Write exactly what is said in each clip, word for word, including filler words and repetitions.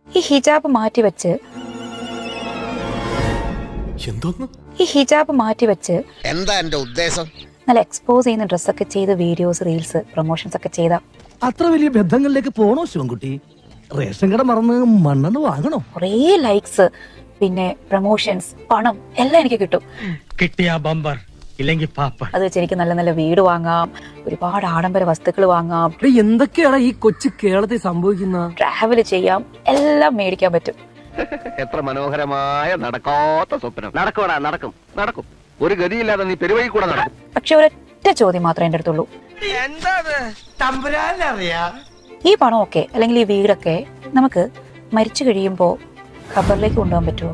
ഈ ഹിജാബ് മാറ്റി വെച്ച് ഈ ഹിജാബ് മാറ്റി വെച്ച് എന്താ എന്റെ ഉദ്ദേശം? നല്ല എക്സ്പോസ് ചെയ്യുന്ന ഡ്രസ്സൊക്കെ ചെയ്ത് വീഡിയോസ് റീൽസ് പ്രൊമോഷൻസ് ഒക്കെ ചെയ്ത അത്ര വലിയ ബന്ധങ്ങളിലേക്ക് പോണോ ശിവൻകുട്ടി? റേഷൻ കട മറന്ന് മണ്ണെണ്ണ വാങ്ങണോ? കുറേ ലൈക്സ്, പിന്നെ പ്രൊമോഷൻസ്, പണം എല്ലാം എനിക്ക് കിട്ടും. കിട്ടിയ ബമ്പർ ഇല്ലെങ്കിൽ പാപ്പ. അത് വെച്ച് എനിക്ക് നല്ല നല്ല വീട് വാങ്ങാം, ഒരുപാട് ആഡംബര വസ്തുക്കൾ വാങ്ങാം, എന്തൊക്കെയാണ് ഈ കൊച്ചു കേരളത്തിൽ സംഭവിക്കുന്ന? ട്രാവൽ ചെയ്യാം, എല്ലാം മേടിക്കാൻ പറ്റും. എത്ര മനോഹരമായ നടക്കാത്ത സ്വപ്നം. നടക്കൂടാ, നടക്കും നടക്കും ഒരു ഗതിയില്ലാതെ നീ പെരുവഴി കൂടെ നടക്കും. പക്ഷെ ഒരൊറ്റ ചോദ്യം മാത്രമേ എൻ്റെ അടുത്തുള്ളൂ. ഈ പണമൊക്കെ അല്ലെങ്കിൽ ഈ വീടൊക്കെ നമുക്ക് മരിച്ചു കഴിയുമ്പോ ഖബറിലേക്ക് കൊണ്ടുപോകാൻ പറ്റുമോ?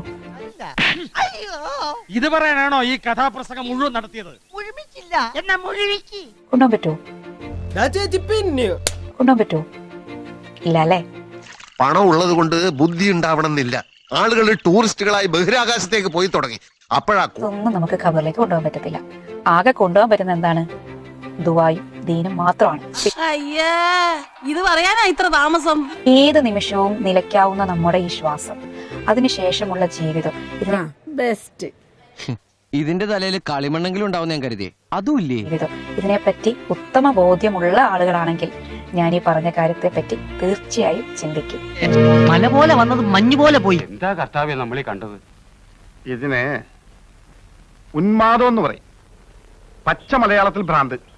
ഇത് പറയാനാണോ ഈ കഥാപ്രസംഗം മുഴുവൻ നടത്തിയത്? കൊണ്ടുപോകാൻ പറ്റുമോ? കൊണ്ടുപോകാൻ പറ്റുമോ? ഇല്ല അല്ലേ? പണം ഉള്ളത് കൊണ്ട് ബുദ്ധി ഉണ്ടാവണമെന്നില്ല. ആളുകൾ ടൂറിസ്റ്റുകളായി ബഹിരാകാശത്തേക്ക് പോയി തുടങ്ങി. അപ്പോഴാ ഇതൊന്നും നമുക്ക് ഖബറിലേക്ക് കൊണ്ടുപോകാൻ പറ്റത്തില്ല. ആകെ കൊണ്ടുപോകാൻ പറ്റുന്ന എന്താണ്? ദുആയും ദീനും മാത്രമാണ്. ഇത് പറയാനാ ഇത്ര താമസം? ഏത് നിമിഷവും നിലയ്ക്കാവുന്ന നമ്മുടെ ഈ ശ്വാസം, അതിനുശേഷമുള്ള ജീവിതം, ഇതിനെ ബെസ്റ്റ്. ഇതിന്റെ തലയിൽ കളിമണ്ണെങ്കിലും ഉണ്ടാവും ഞാൻ കരുതി. അതുമില്ലേ? ജീവിതം ഇതിനെപ്പറ്റി ഉത്തമ ബോധ്യമുള്ള ആളുകളാണെങ്കിൽ ഞാൻ ഈ പറഞ്ഞ കാര്യത്തെ പറ്റി തീർച്ചയായും ചിന്തിക്കും. മല പോലെ വന്നത് മഞ്ഞ് പോലെ പോയി. എന്താ കർത്താവ്യ നമ്മളീ കണ്ടത്? ഇതിനെ ഉന്മാദം എന്ന് പറയും, പച്ച മലയാളത്തിൽ ഭ്രാന്ത്.